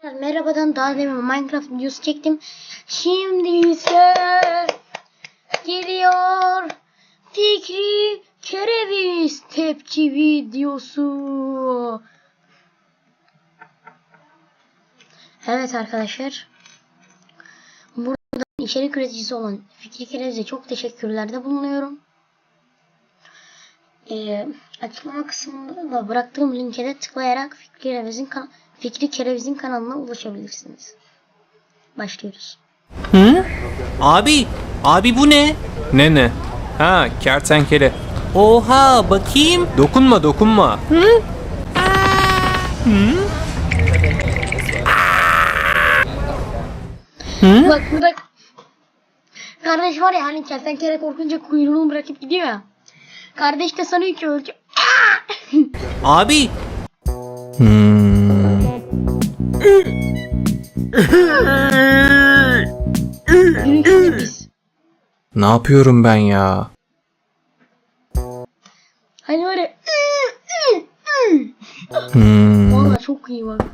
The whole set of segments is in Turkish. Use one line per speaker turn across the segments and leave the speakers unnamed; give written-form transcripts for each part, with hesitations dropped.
Merhabadan daha demin Minecraft videosu çektim. Şimdi ise geliyor Fikri Kereviz tepki videosu. Evet arkadaşlar. Burada içerik üreticisi olan Fikri Kereviz'e çok teşekkürlerde bulunuyorum. Açıklama kısmında da bıraktığım linke de tıklayarak Fikri Kereviz'in kanalına ulaşabilirsiniz. Başlıyoruz.
Hı? Abi bu ne? Ne? Ha, kertenkele. Oha, bakayım. Dokunma. Hı? Hı?
Bak burada kardeş var ya, hani kertenkele korkunca kuyruğunu bırakıp gidiyor ya. Kardeş de sanıyor ki öldü.
Abi. Ne yapıyorum ben ya?
Hani öyle. Valla çok iyi bak.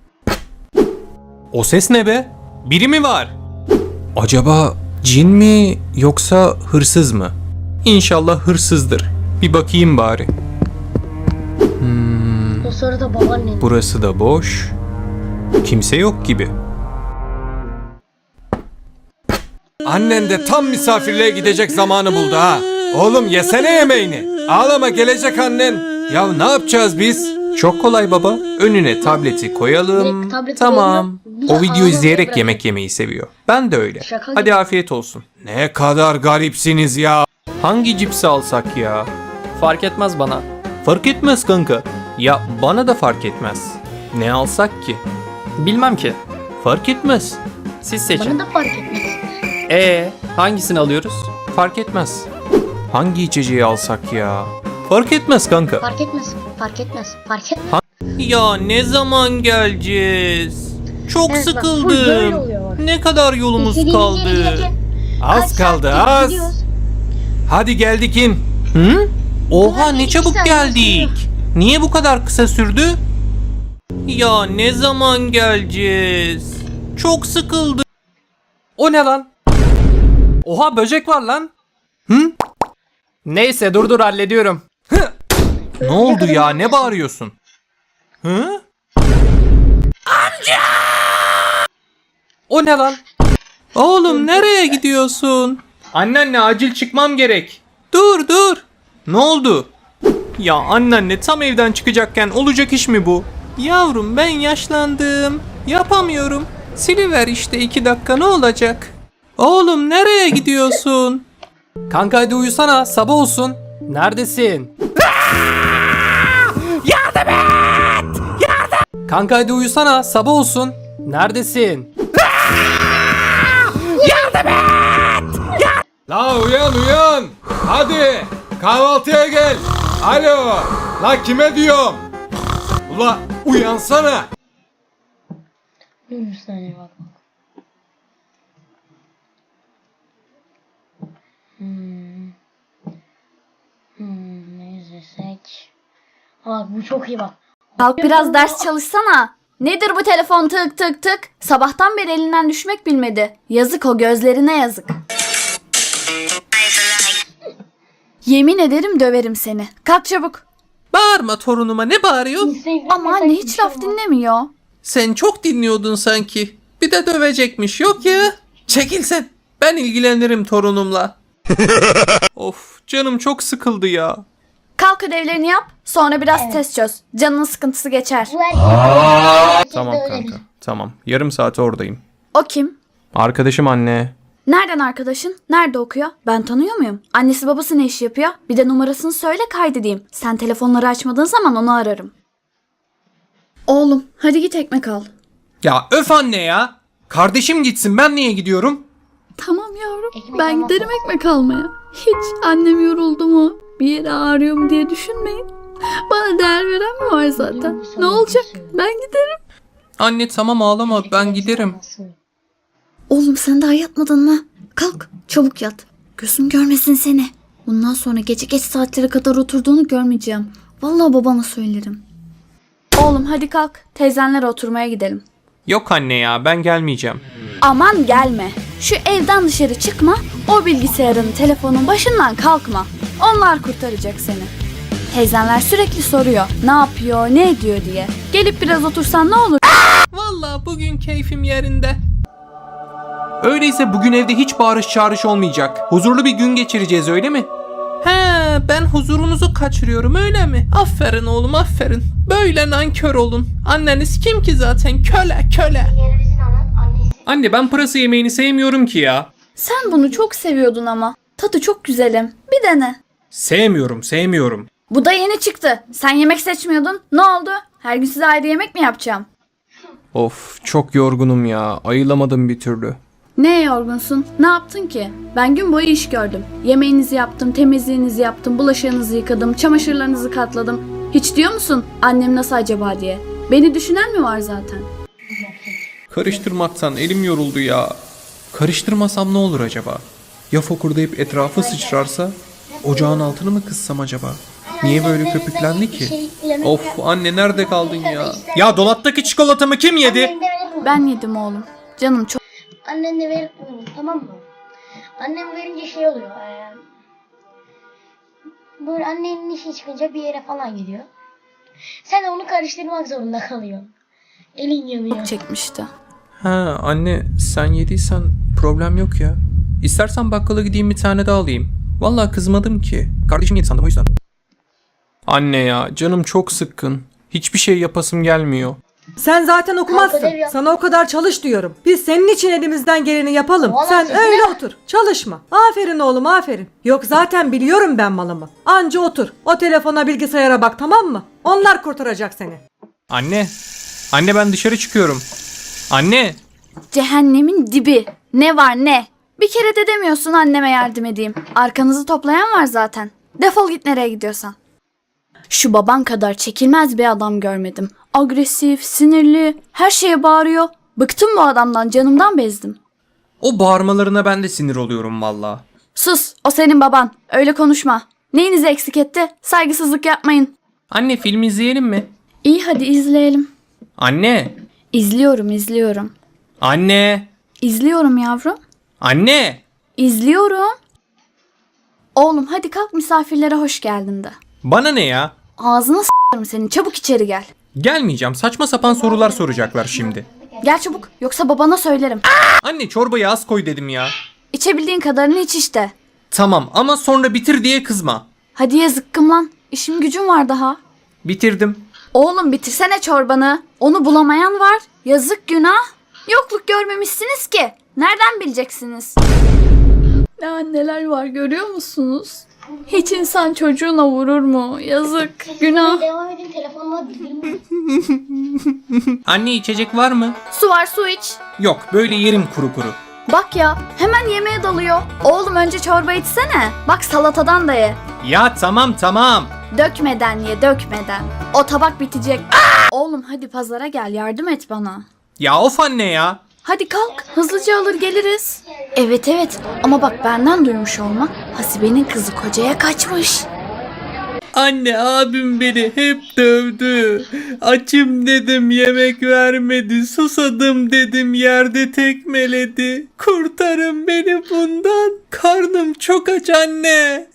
O ses ne be? Biri mi var? Acaba cin mi yoksa hırsız mı? İnşallah hırsızdır. Bir bakayım bari.
O sırada babaannen.
Burası da boş. Kimse yok gibi.
Annen de tam misafirliğe gidecek zamanı buldu ha. Oğlum yesene yemeğini. Ağlama, gelecek annen. Ya ne yapacağız biz?
Çok kolay baba. Önüne tableti koyalım.
Direkt tableti
Tamam.
koyalım.
O video izleyerek
Bırak.
yemek yemeyi seviyor. Ben de öyle.
Şaka
Hadi
gibi.
afiyet olsun.
Ne kadar garipsiniz ya.
Hangi cipsi alsak ya?
Fark etmez bana.
Fark etmez kanka. Ya bana da fark etmez. Ne alsak ki?
Bilmem ki.
Fark etmez.
Siz seçin.
Bana da fark etmez.
Hangisini alıyoruz?
Fark etmez. Hangi içeceği alsak ya? Fark etmez kanka.
Fark etmez. Fark etmez. Fark etmez.
Ya ne zaman geleceğiz? Çok
Evet, bak, full böyle
sıkıldım.
oluyor bak.
Ne kadar yolumuz
İstediğiniz yere
kaldı?
giderken
Az
kaç
kaldı,
saattir
az.
gidiyoruz?
Hadi geldik in.
Hı? Oha
Ulan
ne
iki
çabuk
saniye
geldik. Niye bu kadar kısa sürdü? Ya ne zaman geleceğiz? Çok sıkıldım.
O ne lan? Oha, böcek var lan.
Hı?
Neyse dur hallediyorum.
Ne oldu ya? Ne bağırıyorsun? Hı?
O ne lan?
Oğlum nereye gidiyorsun? Anneanne acil çıkmam gerek. Dur. Ne oldu? Ya anneanne tam evden çıkacakken olacak iş mi bu? Yavrum ben yaşlandım. Yapamıyorum. Siliver işte 2 dakika, ne olacak? Oğlum nereye gidiyorsun?
Kanka hadi uyusana, sabah olsun. Neredesin? Yardım et! Kanka hadi uyusana, sabah olsun. Neredesin?
La uyan. Hadi kahvaltıya gel. Alo. La kime diyorum? Ula uyansana.
Dur bir saniye bak. Ne izlesek? Bak bu çok iyi bak.
Kalk biraz ders çalışsana. Nedir bu telefon tık tık tık? Sabahtan beri elinden düşmek bilmedi. Yazık, o gözlerine yazık. Yemin ederim döverim seni. Kalk çabuk.
Bağırma torunuma, ne bağırıyorsun?
Ama anne hiç laf dinlemiyor.
Sen çok dinliyordun sanki. Bir de dövecekmiş, yok ya. Çekil sen. Ben ilgilenirim torunumla. Of, canım çok sıkıldı ya.
Kalk ödevlerini yap. Sonra biraz test çöz. Canının sıkıntısı geçer.
Tamam kanka. Tamam. Yarım saate oradayım.
O kim?
Arkadaşım anne.
Nereden arkadaşın? Nerede okuyor? Ben tanıyor muyum? Annesi babası ne iş yapıyor? Bir de numarasını söyle, kaydedeyim. Sen telefonları açmadığın zaman onu ararım. Oğlum hadi git ekmek al.
Ya öf anne ya. Kardeşim gitsin, ben niye gidiyorum?
Tamam yavrum.
Ekmek
Ben
almak
giderim ekmek almaya. Hiç annem yoruldu mu, bir yere ağrıyor mu diye düşünmeyin. Bana değer veren mi var zaten? Ne olacak? Ben giderim.
Anne tamam ağlama, ben giderim.
Oğlum sen daha yatmadın mı? Kalk çabuk yat. Gözüm görmesin seni. Bundan sonra gece geç saatlere kadar oturduğunu görmeyeceğim. Vallahi babana söylerim. Oğlum hadi kalk. Teyzenlere oturmaya gidelim.
Yok anne ya, ben gelmeyeceğim.
Aman gelme. Şu evden dışarı çıkma. O bilgisayarın, telefonun başından kalkma. Onlar kurtaracak seni. Teyzenler sürekli soruyor. Ne yapıyor, ne ediyor diye. Gelip biraz otursan ne olur?
Vallahi bugün keyfim yerinde. Öyleyse bugün evde hiç bağırış çağırış olmayacak. Huzurlu bir gün geçireceğiz, öyle mi? He, ben huzurunuzu kaçırıyorum, öyle mi? Aferin oğlum, aferin. Böyle nankör olun. Anneniz kim ki zaten? Köle, köle. Anne, ben pırasa yemeğini sevmiyorum ki ya.
Sen bunu çok seviyordun ama. Tadı çok güzelim. Bir dene.
Sevmiyorum.
Bu da yeni çıktı. Sen yemek seçmiyordun. Ne oldu? Her gün size ayrı yemek mi yapacağım?
Of, çok yorgunum ya. Ayılamadım bir türlü.
Neye yorgunsun? Ne yaptın ki? Ben gün boyu iş gördüm. Yemeğinizi yaptım, temizliğinizi yaptım, bulaşığınızı yıkadım, çamaşırlarınızı katladım. Hiç diyor musun annem nasıl acaba diye? Beni düşünen mi var zaten?
Karıştırmaktan elim yoruldu ya. Karıştırmasam ne olur acaba? Ya fokurdayıp etrafı sıçrarsa? Ocağın altını mı kıssam acaba? Niye böyle köpüklendi ki? Of anne, nerede kaldın ya? Ya dolaptaki çikolatamı kim yedi?
Ben yedim oğlum. Canım çok...
Annen de verip tamam mı? Annem verince şey oluyor. Böyle annenin işi çıkınca bir yere falan gidiyor. Sen de onu karıştırmak zorunda kalıyorsun. Elin yanıyor.
çekmişti.
Ha anne, sen yediysen problem yok ya. İstersen bakkala gideyim bir tane daha alayım. Vallahi kızmadım ki. Kardeşim yedi sandım, o yüzden. Anne ya, canım çok sıkkın. Hiçbir şey yapasım gelmiyor.
Sen zaten okumazsın.
ödev yap.
Sana o kadar çalış diyorum. Biz senin için elimizden geleni yapalım.
Vallahi
Sen
sesine-
öyle otur. Çalışma. Aferin oğlum, aferin. Yok zaten biliyorum ben malımı. Anca otur. O telefona, bilgisayara bak, tamam mı? Onlar kurtaracak seni.
Anne ben dışarı çıkıyorum. Anne.
Cehennemin dibi. Ne var ne? Bir kere de demiyorsun anneme yardım edeyim. Arkanızı toplayan var zaten. Defol git nereye gidiyorsan. Şu baban kadar çekilmez bir adam görmedim. Agresif, sinirli, her şeye bağırıyor. Bıktım bu adamdan, canımdan bezdim.
O bağırmalarına ben de sinir oluyorum valla.
Sus, o senin baban. Öyle konuşma. Neyinizi eksik etti? Saygısızlık yapmayın.
Anne, film izleyelim mi?
İyi hadi izleyelim.
Anne.
İzliyorum.
Anne.
İzliyorum yavrum.
Anne.
İzliyorum. Oğlum hadi kalk, misafirlere hoş geldin de.
Bana ne ya?
Ağzına s**arım senin, çabuk içeri gel.
Gelmeyeceğim, saçma sapan sorular soracaklar şimdi.
Gel çabuk, yoksa babana söylerim.
Anne, çorbayı az koy dedim ya.
İçebildiğin kadarını iç işte.
Tamam ama sonra bitir diye kızma.
Hadi ya zıkkım lan, işim gücüm var daha.
Bitirdim.
Oğlum bitirsene çorbanı. Onu bulamayan var. Yazık, günah. Yokluk görmemişsiniz ki. Nereden bileceksiniz? Ne anneler var görüyor musunuz? Hiç insan çocuğuna vurur mu? Yazık, günah.
Devam edin, telefonla bildirim.
Anne, içecek var mı?
Su var, su iç.
Yok, böyle yerim kuru kuru.
Bak ya, hemen yemeğe dalıyor. Oğlum önce çorba içsene. Bak salatadan da ye.
Ya tamam.
Dökmeden ye, dökmeden. O tabak bitecek. Oğlum hadi pazara gel, yardım et bana.
Ya of anne ya.
Hadi kalk, hızlıca alır geliriz. Evet ama bak benden duymuş olma. Hasibe'nin kızı kocaya kaçmış.
Anne, abim beni hep dövdü. Açım dedim, yemek vermedi. Susadım dedim, yerde tekmeledi. Kurtarın beni bundan. Karnım çok aç anne.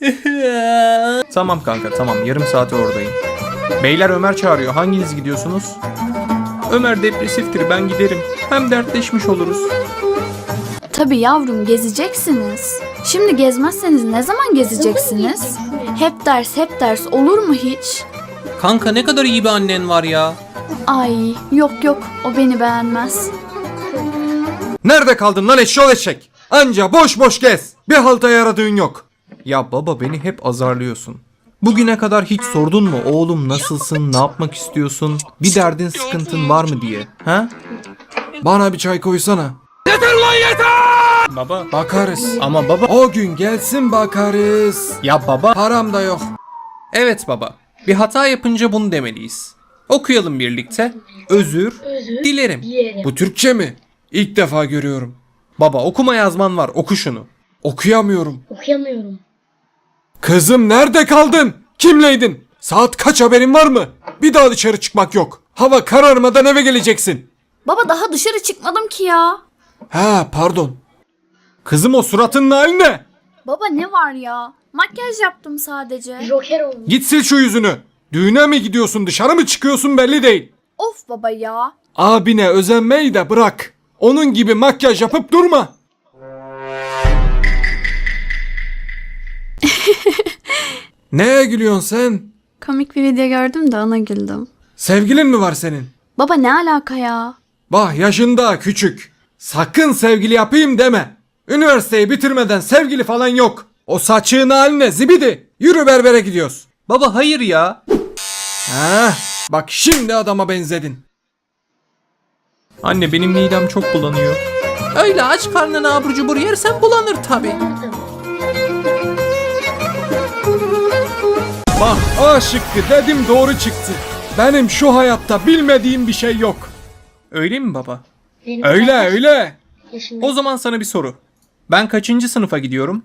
Tamam kanka, tamam, yarım saate oradayım. Beyler, Ömer çağırıyor. Hanginiz gidiyorsunuz? Ömer depresiftir, ben giderim. Hem dertleşmiş oluruz.
Tabii yavrum, gezeceksiniz. Şimdi gezmezseniz ne zaman gezeceksiniz? Hep ders olur mu hiç?
Kanka, ne kadar iyi bir annen var ya.
Ay yok o beni beğenmez.
Nerede kaldın lan eşşoğlu eşek? Anca boş boş gez. Bir halta yaradığın yok.
Ya baba, beni hep azarlıyorsun. Bugüne kadar hiç sordun mu oğlum, nasılsın, ne yapmak istiyorsun, bir derdin sıkıntın var mı diye, ha?
Bana bir çay koysana.
Baba.
Bakarız.
Ama baba.
O gün gelsin bakarız.
Ya baba.
Param da yok.
Evet baba. Bir hata yapınca bunu demeliyiz. Okuyalım birlikte. Özür dilerim.
Bu Türkçe mi? İlk defa görüyorum.
Baba, okuma yazman var, oku şunu.
Okuyamıyorum.
Okuyamıyorum.
Kızım, nerede kaldın? Kimleydin? Saat kaç, haberin var mı? Bir daha dışarı çıkmak yok. Hava kararmadan eve geleceksin.
Baba daha dışarı çıkmadım ki ya.
Ha pardon. Kızım o suratının hali ne?
Baba ne var ya? Makyaj yaptım sadece.
Joker oldu.
Git sil şu yüzünü. Düğüne mi gidiyorsun dışarı mı çıkıyorsun belli değil.
Of baba ya.
Abine özenmeyi de bırak. Onun gibi makyaj yapıp durma. Neye gülüyorsun sen?
Komik bir video gördüm de ona güldüm.
Sevgilin mi var senin?
Baba ne alaka ya?
Bah yaşında küçük. Sakın sevgili yapayım deme. Üniversiteyi bitirmeden sevgili falan yok. O saçığın haline zibidi. Yürü berbere gidiyoruz.
Baba hayır ya.
Ha, bak şimdi adama benzedin.
Anne benim midem çok bulanıyor.
Öyle aç karnına abur cubur yersen bulanır tabi.
Bak A şıkkı dedim doğru çıktı. Benim şu hayatta bilmediğim bir şey yok.
Öyle mi baba?
Benim
Öyle öyle.
yaşında.
O zaman sana bir soru. Ben kaçıncı sınıfa gidiyorum?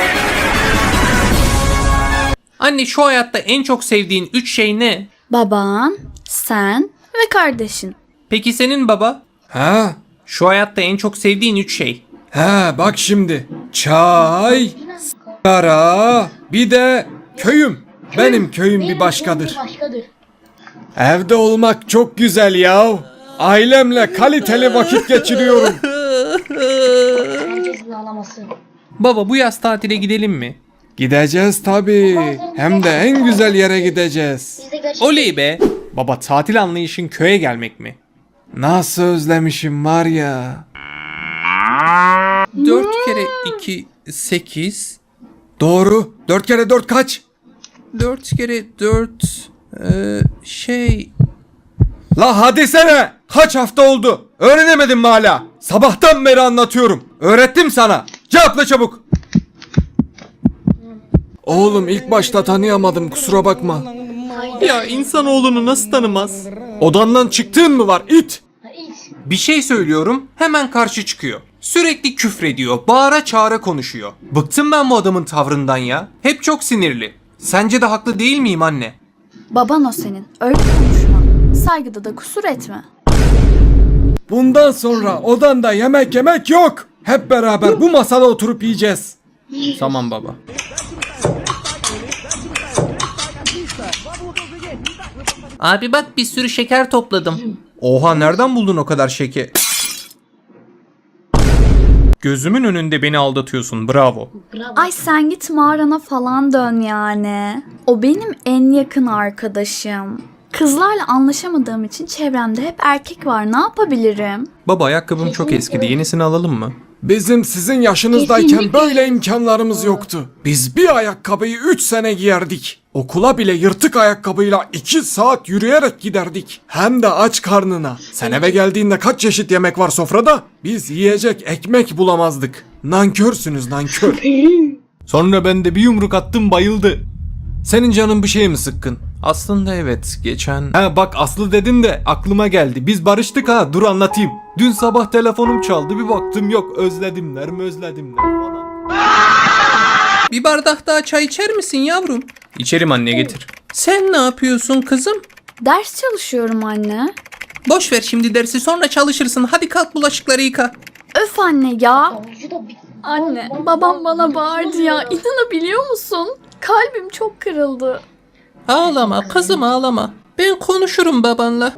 Anne şu hayatta en çok sevdiğin 3 şey ne?
Baban, sen ve kardeşin.
Peki senin baba?
Ha,
Şu hayatta en çok sevdiğin 3 şey.
ha bak şimdi. Çay, sigara, bir de köyüm. Benim köyüm bir başkadır.
Bir başkadır.
Evde olmak çok güzel ya. Ailemle kaliteli vakit geçiriyorum.
Herkesin ağlaması.
Baba bu yaz tatile gidelim mi?
Gideceğiz tabii. Hem de en güzel yere gideceğiz.
Biz de gerçekten
Oley be. Baba tatil anlayışın köye gelmek mi?
Nasıl özlemişim var ya.
4 kere 2 8.
Doğru. 4 kere 4 kaç?
4 kere 4
La hadi sene. Kaç hafta oldu? Öğrenemedin mi hala? Sabahtan beri anlatıyorum. Öğrettim sana. Cevapla çabuk. Oğlum ilk başta tanıyamadım kusura bakma.
Ya insanoğlunu nasıl tanımaz?
Odandan çıktığın mı var it?
hiç.
Bir şey söylüyorum hemen karşı çıkıyor. Sürekli küfrediyor, bağıra çağıra konuşuyor. Bıktım ben bu adamın tavrından ya. Hep çok sinirli. Sence de haklı değil miyim anne?
Baban o senin. Öyle konuşma. Saygıda da kusur etme.
Bundan sonra odanda yemek yok. Hep beraber bu masada oturup yiyeceğiz.
Tamam baba. Abi bak bir sürü şeker topladım. Oha nereden buldun o kadar şeker? Gözümün önünde beni aldatıyorsun bravo.
Bravo.
Ay sen git mağarana falan dön yani. O benim en yakın arkadaşım. Kızlarla anlaşamadığım için çevremde hep erkek var. Ne yapabilirim?
Baba ayakkabım çok eskidi yenisini alalım mı?
Bizim sizin yaşınızdayken böyle imkanlarımız yoktu. Biz bir ayakkabıyı 3 sene giyerdik. Okula bile yırtık ayakkabıyla 2 saat yürüyerek giderdik. Hem de aç karnına. Sen eve geldiğinde kaç çeşit yemek var sofrada? Biz yiyecek ekmek bulamazdık. Nankörsünüz nankör.
Sonra ben de bir yumruk attım bayıldı. Senin canın bir şey mi sıkkın? Aslında evet geçen...
He bak Aslı dedin de aklıma geldi. Biz barıştık ha dur anlatayım. Dün sabah telefonum çaldı bir baktım yok özledimler falan.
Bir bardak daha çay içer misin yavrum?
İçerim anne getir.
Sen ne yapıyorsun kızım?
Ders çalışıyorum anne.
Boş ver şimdi dersi sonra çalışırsın. Hadi kalk bulaşıkları yıka.
Öf anne ya.
Avucu da bir...
Anne, babam bana bağırdı ya. İnanabiliyor musun? Kalbim çok kırıldı.
Ağlama kızım ağlama. Ben konuşurum babanla.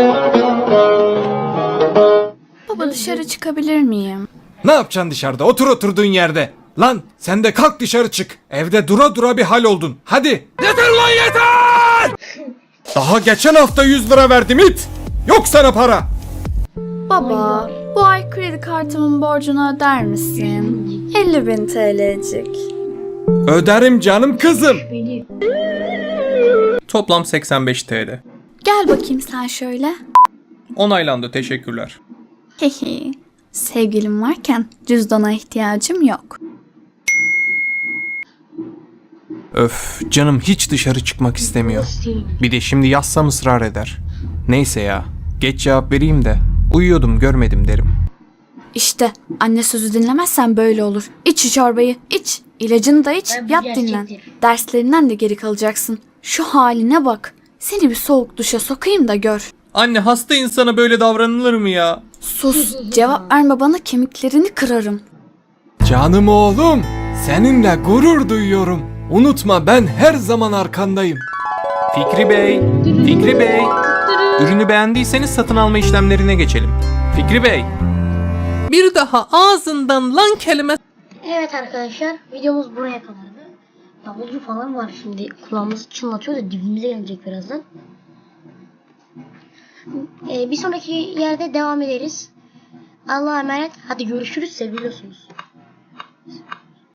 Baba dışarı çıkabilir miyim?
Ne yapacaksın dışarıda otur oturduğun yerde. Lan sen de kalk dışarı çık. Evde dura dura bir hal oldun. Hadi. Yeter lan yeter. Daha geçen hafta 100 lira verdim it. Yok sana para.
Baba, bu ay kredi kartımın borcunu öder misin? 50.000 TL'cik.
Öderim canım kızım.
Beni.
Toplam 85 TL.
Gel bakayım sen şöyle.
Onaylandı teşekkürler.
Hehe. Sevgilim varken cüzdana ihtiyacım yok.
Öf canım hiç dışarı çıkmak istemiyor. Bir de şimdi yazsam ısrar eder. Neyse ya geç cevap vereyim de uyuyordum görmedim derim.
İşte anne sözü dinlemezsen böyle olur. İç şu çorbayı, iç. İlacını da iç,
Tabii
yat
gerçektir.
dinlen. Derslerinden de geri kalacaksın. Şu haline bak. Seni bir soğuk duşa sokayım da gör.
Anne hasta insana böyle davranılır mı ya?
Sus, cevap verme bana, kemiklerini kırarım.
Canım oğlum, seninle gurur duyuyorum. Unutma ben her zaman arkandayım.
Fikri Bey, Fikri Bey. Ürünü beğendiyseniz satın alma işlemlerine geçelim. Fikri Bey. Bir daha ağzından lan kelime...
Evet arkadaşlar, videomuz buraya kadardı. Davulcu falan var şimdi, kulağımızı çınlatıyor da dibimize gelecek birazdan. Bir sonraki yerde devam ederiz. Allah'a emanet. Hadi görüşürüz, seviyorsunuz.